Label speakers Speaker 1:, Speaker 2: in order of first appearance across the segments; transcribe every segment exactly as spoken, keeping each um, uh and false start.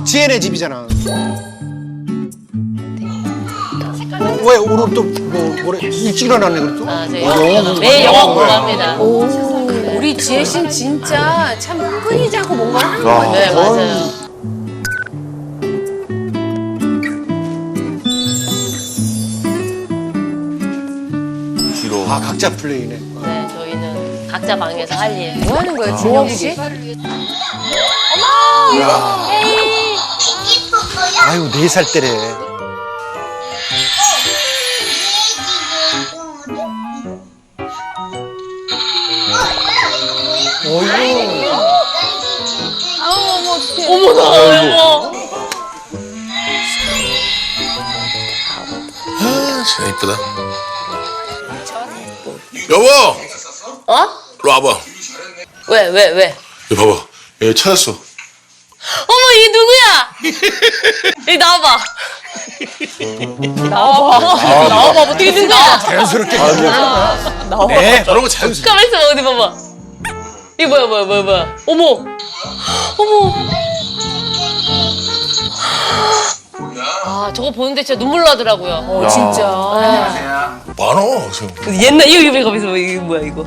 Speaker 1: 지혜네 집이잖아. 어, 왜 오늘 또뭐 뭐래 일찍 일어났네 그랬어?
Speaker 2: 아, 저 영어, 매일 영어 공부합니다.
Speaker 3: 우리 지혜 씨는 진짜 참 끊이지 않고 뭔가를 하는 것 같아요.
Speaker 2: 네, 맞아요.
Speaker 4: 뒤로.
Speaker 1: 아 각자 플레이네.
Speaker 2: 네, 저희는 각자 방에서 할 일.
Speaker 3: 뭐 하는 거예요, 진영 씨?
Speaker 1: 아유 네 살 때래. 어이구.
Speaker 2: 어머나, 여보.
Speaker 4: 아, 진짜 이쁘다. 여보!
Speaker 2: 어?
Speaker 4: 이리 와봐.
Speaker 2: 왜, 왜, 왜?
Speaker 4: 여기 봐봐. 여기 찾았어.
Speaker 2: 어머, 이게 누구야? 여기 나와봐. 나와봐. 나와봐. 어떻게 된 거야?
Speaker 1: 자연스럽게.
Speaker 4: 네. 저런 거 자연스러워.
Speaker 2: 가만 있어봐, 어디 봐봐. 이거 뭐야, 뭐야, 뭐야, 뭐야. 어머. 어머. 아, 저거 보는데 진짜 눈물 나더라고요.
Speaker 3: 어, 진짜.
Speaker 4: 많아. 지금.
Speaker 2: 옛날, 이거, 이거, 가만 있어봐. 이거 뭐야, 이거.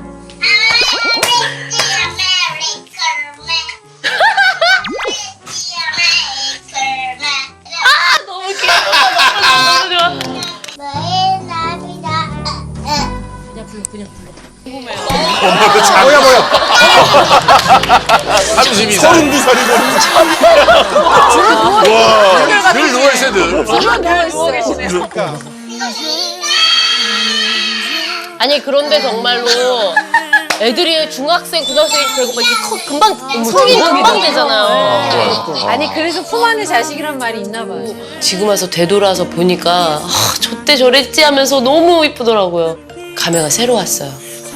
Speaker 2: 아, 너무 귀여워. 너무 좋아. 그냥 불러, 그냥 불러.
Speaker 1: 뭐야 뭐야.
Speaker 4: 삼십이 살. 서른두 살이고. 와. 늘 누워있어, 늘.
Speaker 3: 누워 계시네요.
Speaker 2: 아니 그런데 정말로 애들이 중학생, 고등학생 되고 막 이렇게 커, 금방 성인 금방 되잖아요.
Speaker 3: 아니, 그래서 품 안의 자식이란 말이 있나 봐요.
Speaker 2: 지금 와서 되돌아서 보니까 아, 저때 저랬지 하면서 너무 이쁘더라고요. 감회가 새로 왔어요.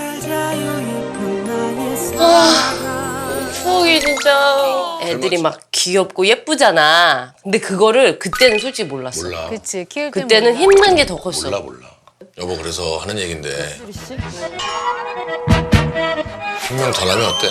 Speaker 2: 아, 추억이 진짜 애들이 막 귀엽고 예쁘잖아. 근데 그거를 그때는 솔직히 몰랐어.
Speaker 4: 몰라.
Speaker 3: 그치, 키울 때
Speaker 2: 그때는 힘든 게 더 컸어.
Speaker 4: 몰라, 몰라. 여보, 그래서 하는 얘긴데. 한 명 더 나면 어때?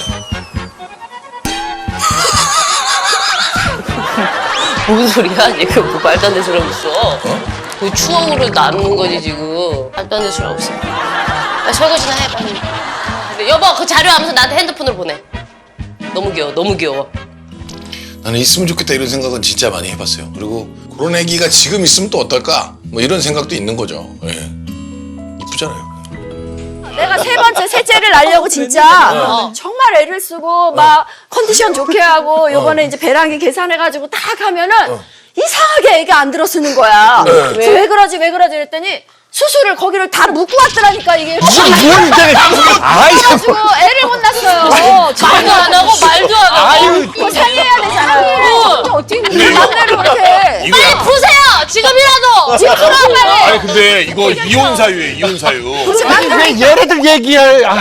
Speaker 2: 뭔 소리야? 지금 뭐 말도 안 되는 소리 하고 있어. 그 추억으로 남는 거지 지금. 말도 안 되는 소리 하고 있어. 빨리 설거지나 해 빨리. 근데 여보 그 자료 하면서 나한테 핸드폰으로 보내. 너무 귀여워 너무 귀여워.
Speaker 4: 나는 있으면 좋겠다 이런 생각은 진짜 많이 해봤어요. 그리고 그런 애기가 지금 있으면 또 어떨까? 뭐 이런 생각도 있는 거죠. 예. 이쁘잖아요.
Speaker 5: 내가 세 번째 셋째를 낳으려고 진짜 정말 애를 쓰고 막 컨디션 좋게 하고 요번에 이제 배란기 계산해가지고 딱 하면은 이상하게 애가 안 들어쓰는 거야. 그래서 왜 그러지 왜 그러지 그랬더니 수술을 거기를 다 묶고 왔더라니까 이게.
Speaker 1: 무슨 무슨 이제. 아이
Speaker 5: 그래가지고 애를 못 낳았어요.
Speaker 2: 말도 안 하고 말도 안 하고.
Speaker 1: 아유.
Speaker 5: 그거 살려야 되잖아요.
Speaker 3: 어떻게
Speaker 5: 내 맘대로 못해.
Speaker 4: 이거
Speaker 2: 빨리 푸세요 지금이라도. 지금 풀어 빨리.
Speaker 4: 아니 근데 이거 이혼 사유예요. 이혼 사유.
Speaker 1: 왜 얘네들 얘기할. 아,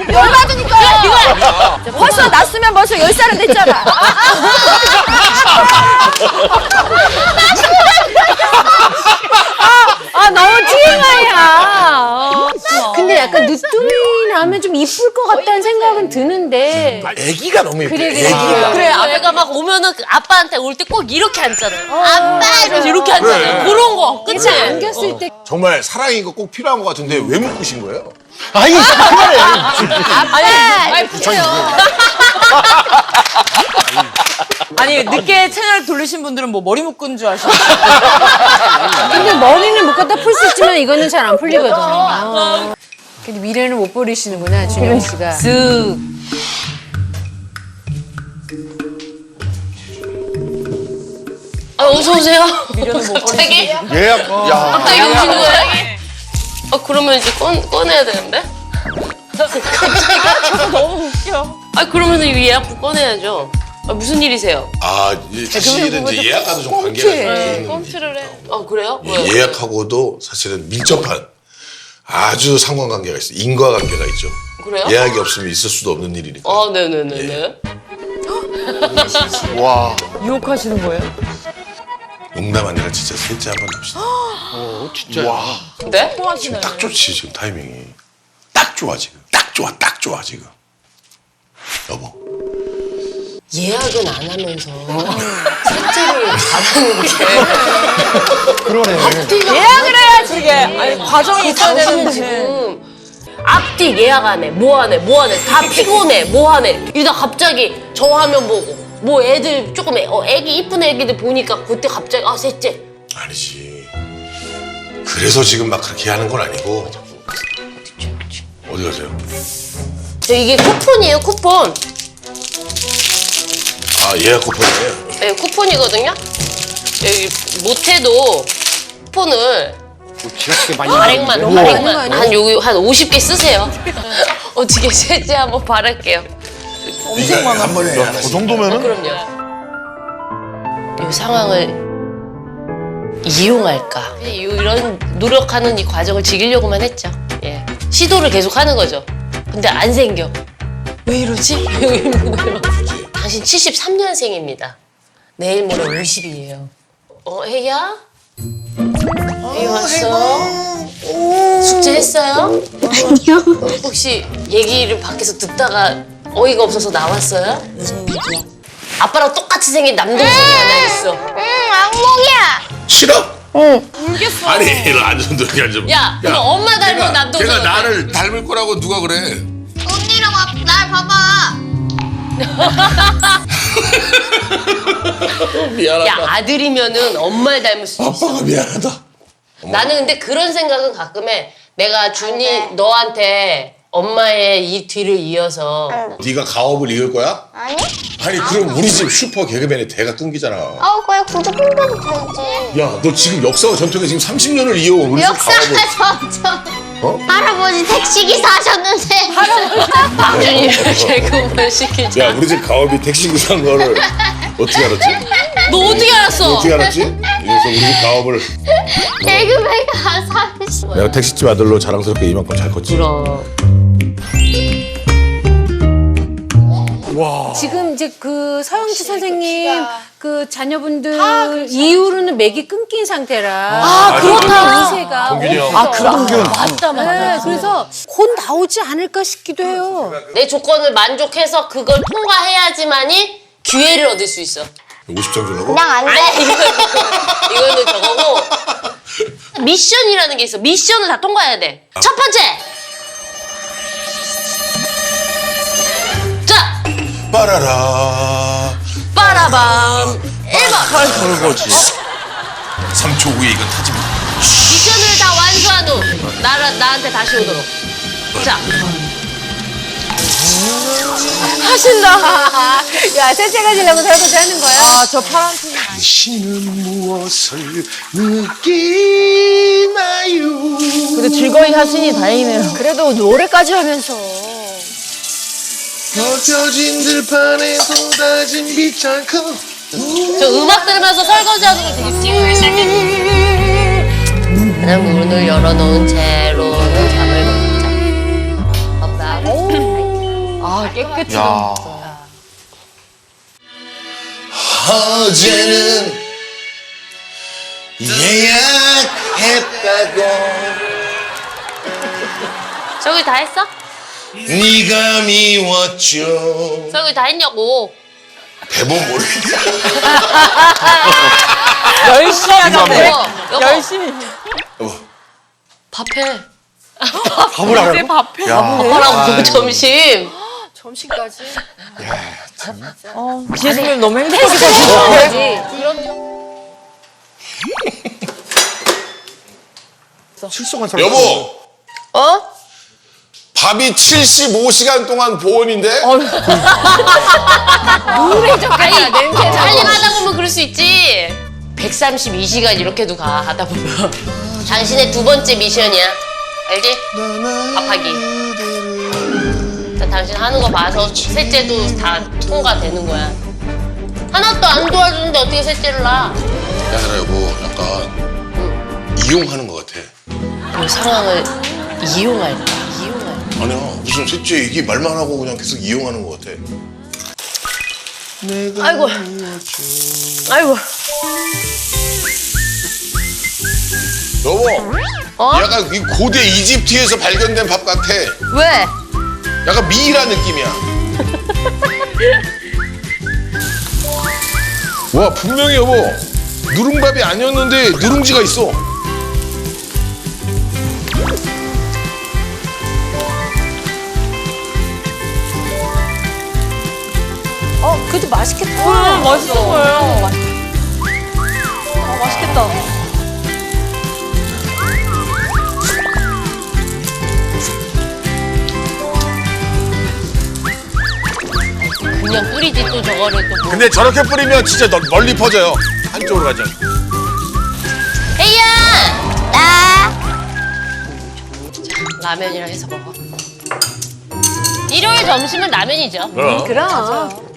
Speaker 5: 열받으니까. 벌써 낳았으면 벌써 열 살은 됐잖아.
Speaker 3: 아, 너무 티엠아이야. 근데 약간 늦둥이 나면 좀 이쁠 것 같다는 생각은 드는데.
Speaker 4: 애기가 너무 예뻐.
Speaker 3: 그래, 그래.
Speaker 4: 애기가.
Speaker 2: 그래 애가 막 오면은 그 아빠한테 올 때 꼭 이렇게 앉잖아요. 아빠 이러면서 이렇게 앉잖아요.
Speaker 4: 그래.
Speaker 2: 그런 거 그치?
Speaker 3: 안겼을 때.
Speaker 4: 정말 사랑이 이거 꼭 필요한 것 같은데 왜 묶으신 거예요?
Speaker 1: 아이 그래.
Speaker 2: 아니 빨리 푸세요.
Speaker 6: 아니 늦게 채널 돌리신 분들은 뭐 머리 묶은 줄 아시나요?
Speaker 3: 근데 머리는 못 갖다 풀 수 있지만 이거는 잘 안 풀리거든. 아. 근데 미래는 못 버리시는구나, 준영 씨가.
Speaker 2: 쓱. 아 어서 오세요. 갑자기
Speaker 1: 예약. 야.
Speaker 2: 갑자기 오신 거예요? 아 그러면 이제 꺼 꺼내야 되는데?
Speaker 6: 너무 웃겨.
Speaker 2: 아 그러면 이거 예약부 꺼내야죠. 아, 무슨 일이세요?
Speaker 4: 아 이제 사실은 이제 예약과도 좀 관계가 있는
Speaker 2: 꼼수를 해. 아 그래요?
Speaker 4: 이
Speaker 2: 왜요?
Speaker 4: 예약하고도 사실은 밀접한 아주 상관관계가 있어요. 인과관계가 있죠.
Speaker 2: 그래요?
Speaker 4: 예약이 없으면 있을 수도 없는 일이니까.
Speaker 2: 아 네네네네.
Speaker 1: 와.
Speaker 6: 유혹하시는 거예요?
Speaker 4: 농담 아니라 진짜 셋째 한번 납시다.
Speaker 1: 어 진짜. 와.
Speaker 2: 네?
Speaker 4: 지금 딱 좋지 지금 타이밍이. 딱 좋아 지금. 딱 좋아 딱 좋아 지금. 여보.
Speaker 2: 예약은 안 하면서 하는 게.
Speaker 1: 그러네.
Speaker 6: 예약을 해야지 이게. 아니 과정이 있어야
Speaker 2: 당신은
Speaker 6: 되는데.
Speaker 2: 지금 앞뒤 예약 안 해, 뭐 안 해, 뭐 안 해, 다 피곤해, 뭐 안 해. 이러다 갑자기 저 화면 보고 뭐 애들 조금 애, 어, 애기 이쁜 애기들 보니까 그때 갑자기 아 셋째.
Speaker 4: 아니지. 그래서 지금 막 그렇게 하는 건 아니고. 어디 가세요?
Speaker 2: 저 이게 쿠폰이에요, 쿠폰.
Speaker 4: 아 예약 쿠폰이에요.
Speaker 2: 네, 쿠폰이거든요. 여기 못해도 쿠폰을
Speaker 1: 지나치게 많이
Speaker 2: 발행만,
Speaker 1: 나오는데?
Speaker 2: 발행만 한 여기 한 오십 개 쓰세요. 어떻게 셋째 한번 바랄게요.
Speaker 4: 이거 한 번에
Speaker 7: 그
Speaker 4: 하나씩.
Speaker 7: 정도면은
Speaker 2: 그럼요. 이 상황을 이용할까? 이런 노력하는 이 과정을 즐기려고만 했죠. 예. 시도를 계속 하는 거죠. 근데 안 생겨. 왜 이러지? 당신 칠십삼 년생입니다. 내일 모레 오십이에요. 어, 혜야? 혜야 왔어? 숙제했어요? 아니요. 혹시 얘기를 밖에서 듣다가 어이가 없어서 나왔어요? 무슨 얘기야? 아빠랑 똑같이 생긴 남동생이 하나 있어.
Speaker 4: 싫어? 응. 울겠어. 아니 이리 앉아 여기 앉아.
Speaker 2: 야, 그거 엄마 닮은
Speaker 4: 걔가-
Speaker 2: 남동생
Speaker 4: 걔가
Speaker 2: 어때?
Speaker 4: 나를 닮을 거라고 누가 그래?
Speaker 8: 언니랑 와, 날 봐봐.
Speaker 4: 미안하다.
Speaker 2: 야, 아들이면은 엄마를 닮을 수 있어.
Speaker 4: 아빠가 미안하다.
Speaker 2: 나는 근데 그런 생각은 가끔 해. 내가 준이 너한테 엄마의 이 뒤를 이어서
Speaker 4: 네가 가업을 이을 거야?
Speaker 8: 아니?
Speaker 4: 아니 그럼 우리 집 슈퍼 개그맨의 대가 끊기잖아.
Speaker 8: 어, 그냥 구두 뽕뽕도 되지.
Speaker 4: 야 너 지금 역사와 전통에 지금 삼십 년을 이어온 우리 집
Speaker 8: 역사가
Speaker 4: 가업을.
Speaker 8: 점점.
Speaker 4: 어?
Speaker 8: 할아버지 택시기사 하셨는데.
Speaker 2: 준이를 개그맨 시키자.
Speaker 4: 야 우리 집 가업이 택시기사인 거를 어떻게 알았지?
Speaker 2: 너 어떻게 알았어?
Speaker 4: 어떻게 알았지? 그래서 우리 집 가업을
Speaker 8: 개그맨가 삼십.
Speaker 4: 내가 택시집 아들로 자랑스럽게 이만큼 잘 컸지.
Speaker 2: 그럼.
Speaker 3: 지금 이제 그 서영치 선생님 그 자녀분들 이후로는 맥이 끊긴 상태라.
Speaker 6: 아, 그렇다.
Speaker 3: 이세가
Speaker 7: 동균이 형.
Speaker 3: 아,
Speaker 1: 동균.
Speaker 3: 맞다, 맞다. 네, 그래서 곧 나오지 않을까 싶기도 해요.
Speaker 2: 내 조건을 만족해서 그걸 통과해야지만이 기회를 얻을 수 있어.
Speaker 4: 오십 점 주려고?
Speaker 8: 그냥 안 돼.
Speaker 2: 아니, 이거는, 이거는 저거고. 미션이라는 게 있어. 미션을 다 통과해야 돼. 첫 번째! 자!
Speaker 4: 빠라라.
Speaker 2: 빠라밤! 일 번!
Speaker 7: 설거지.
Speaker 4: 삼 초 후에 이건 타지 마.
Speaker 2: 미션을 다 완수한 후, 나라, 나한테 다시 오도록. 자!
Speaker 3: 하신다. 야, 셋째가 지려고 설거지 하는 거야?
Speaker 6: 아 저 파란 티.
Speaker 4: 당신은 무엇을 느끼나요?
Speaker 6: 그래도 즐거이 하시니 다행이네요.
Speaker 5: 그래도 노래까지 하면서.
Speaker 4: 벗겨진 들판에 쏟아진 빛장큼.
Speaker 2: 저 음악 들으면서 설거지하는 거 되게 찡. 그냥 문을 열어놓은 채로는 잠을 먹자. 없다.
Speaker 6: 아 깨끗이.
Speaker 7: 야.
Speaker 4: 어제는 예약했다고
Speaker 2: 설거지 다 했어?
Speaker 4: 네가 미웠죠.
Speaker 2: 설거지 다 했냐고.
Speaker 4: 배본 모르겠다.
Speaker 6: 열심히 하셨네.
Speaker 2: 여보, 여보.
Speaker 6: 열심히.
Speaker 4: 여보,
Speaker 2: 밥해.
Speaker 1: 밥을 안 하고?
Speaker 6: 밥해.
Speaker 2: 아빠랑 점심.
Speaker 5: 점심까지.
Speaker 6: 지혜선님 너무 행복하게
Speaker 1: 실속한 사람.
Speaker 4: 여보,
Speaker 2: 어?
Speaker 4: 밥이 칠십오 시간 동안 보온인데?
Speaker 2: 아니, 빨리 하다 보면 그럴 수 있지. 백삼십이 시간 이렇게도 가, 하다 보면. 당신의 두 번째 미션이야. 알지? 밥하기. 일단 당신 하는 거 봐서 셋째도 다 통과되는 거야. 하나도 안 도와주는데 어떻게 셋째를 낳아?
Speaker 4: 야, 나 여보, 약간 이용하는 것 같아.
Speaker 2: 이 상황을 이용할까? 이용할까?
Speaker 4: 아니야, 무슨 셋째 얘기 말만 하고 그냥 계속 이용하는 것 같아.
Speaker 2: 아이고. 아이고.
Speaker 4: 여보,
Speaker 2: 어?
Speaker 4: 약간 이 고대 이집트에서 발견된 밥 같아.
Speaker 2: 왜?
Speaker 4: 약간 미이라 느낌이야. 와, 분명히 여보, 누룽밥이 아니었는데 누룽지가 있어.
Speaker 3: 어, 그래도 맛있겠다.
Speaker 6: 음, 맛있어 보여요. 아, 맛있겠다.
Speaker 2: 그냥 뿌리지 또 저거를 또. 뭐.
Speaker 4: 근데 저렇게 뿌리면 진짜 너- 멀리 퍼져요. 한쪽으로 가죠.
Speaker 2: 에이야!
Speaker 8: 나
Speaker 2: 라면이랑 해서 먹어. 일요일 점심은 라면이죠.
Speaker 4: 그럼.
Speaker 3: 그럼.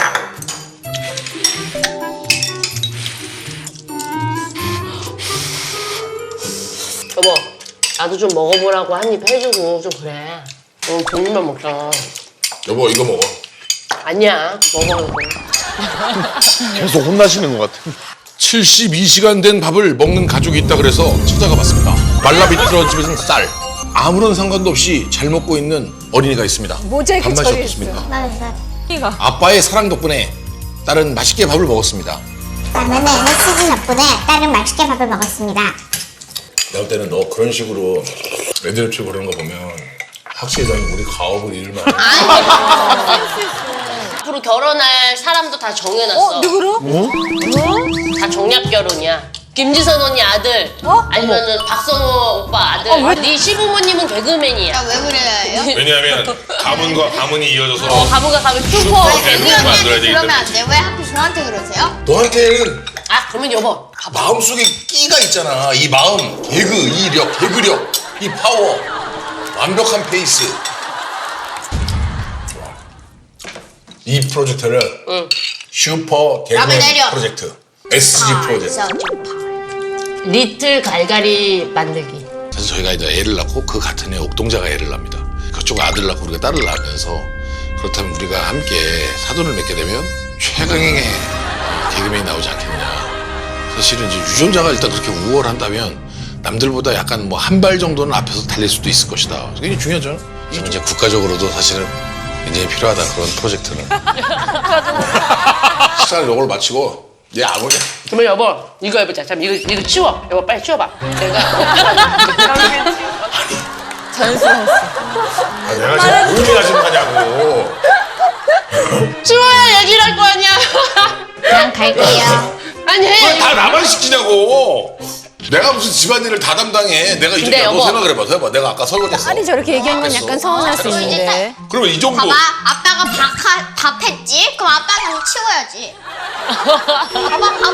Speaker 2: 여보, 나도 좀 먹어보라고 한 입 해주고 좀 그래. 너무 종류만 먹잖아.
Speaker 4: 여보 이거 먹어.
Speaker 2: 아니야, 먹어 이거.
Speaker 4: 계속 혼나시는 것 같아. 칠십이 시간 된 밥을 먹는 가족이 있다 그래서 찾아가 봤습니다. 말라비틀어진 쌀. 아무런 상관도 없이 잘 먹고 있는 어린이가 있습니다.
Speaker 3: 모자이크
Speaker 4: 밥맛이
Speaker 3: 처리했어.
Speaker 4: 어떻습니까?
Speaker 8: 나는
Speaker 4: 아빠의 사랑 덕분에 딸은 맛있게 밥을 먹었습니다.
Speaker 8: 라면에 헬스진 덕분에 딸은 맛있게 밥을 먹었습니다.
Speaker 4: 내가 볼 때는 너 그런 식으로 애들 치고 그러는 거 보면 확실히 넌 우리 가업을 잃을 만한.
Speaker 2: 앞으로 결혼할 사람도 다 정해놨어.
Speaker 3: 어, 누구로?
Speaker 2: 다 정략 결혼이야. 김지선 언니 아들,
Speaker 3: 어?
Speaker 2: 아니면은 박성호 오빠 아들.
Speaker 3: 어, 왜?
Speaker 2: 네 시부모님은 개그맨이야.
Speaker 8: 왜 그래요?
Speaker 4: 왜냐하면 가문과 가문이 이어져서
Speaker 2: 어, 가문가 가면 슈퍼
Speaker 4: 개그맨
Speaker 2: 개그맨.
Speaker 4: 만들어야 되기 때문에.
Speaker 8: 안 돼? 왜 하필 저한테 그러세요?
Speaker 4: 너한테는
Speaker 2: 아, 그러면 여보.
Speaker 4: 마음속에 끼가 있잖아. 이 마음, 개그, 이 력, 개그력, 이 파워, 완벽한 페이스. 이 프로젝트를
Speaker 2: 응.
Speaker 4: 슈퍼
Speaker 8: 라면
Speaker 4: 개그맨
Speaker 8: 내려.
Speaker 4: 프로젝트, 에스지
Speaker 8: 아,
Speaker 4: 프로젝트.
Speaker 2: 리틀 갈갈이 만들기.
Speaker 4: 사실 저희가 이제 애를 낳고 그 같은 해 옥동자가 애를 납니다. 그쪽 아들 낳고 우리가 딸을 낳으면서 그렇다면 우리가 함께 사돈을 맺게 되면 최강의 개그맨이 나오지 않겠느냐. 사실은 이제 유전자가 일단 그렇게 우월한다면 남들보다 약간 뭐 한 발 정도는 앞에서 달릴 수도 있을 것이다. 그게 중요하죠. 그래서 이제 국가적으로도 사실은 굉장히 필요하다 그런 프로젝트는. 식사를 요걸 마치고 얘 아버지.
Speaker 2: 그러면 여보, 이거 해보자. 잠 이거 이거 치워. 여보 빨리 치워봐. 내가
Speaker 6: 자연스러웠어.
Speaker 4: 아, 내가 지금 뭔일 하신 거냐고.
Speaker 2: 치워야 얘기를 할 거 아니야.
Speaker 8: 그냥 갈게요.
Speaker 2: 아니.
Speaker 4: 왜 다 나만 시키냐고. 내가 무슨 집안일을 다 담당해. 내가 이제
Speaker 2: 근데
Speaker 4: 너
Speaker 2: 여보.
Speaker 4: 생각을 해봐. 해봐. 내가 아까 설거지했어.
Speaker 3: 딸이 저렇게 얘기한 건
Speaker 4: 됐어.
Speaker 3: 약간 서운할 수 있는데.
Speaker 4: 그러면 이 정도.
Speaker 8: 봐봐, 아빠가 밥, 하- 밥 했지? 그럼 아빠가 치워야지. 봐봐, 밥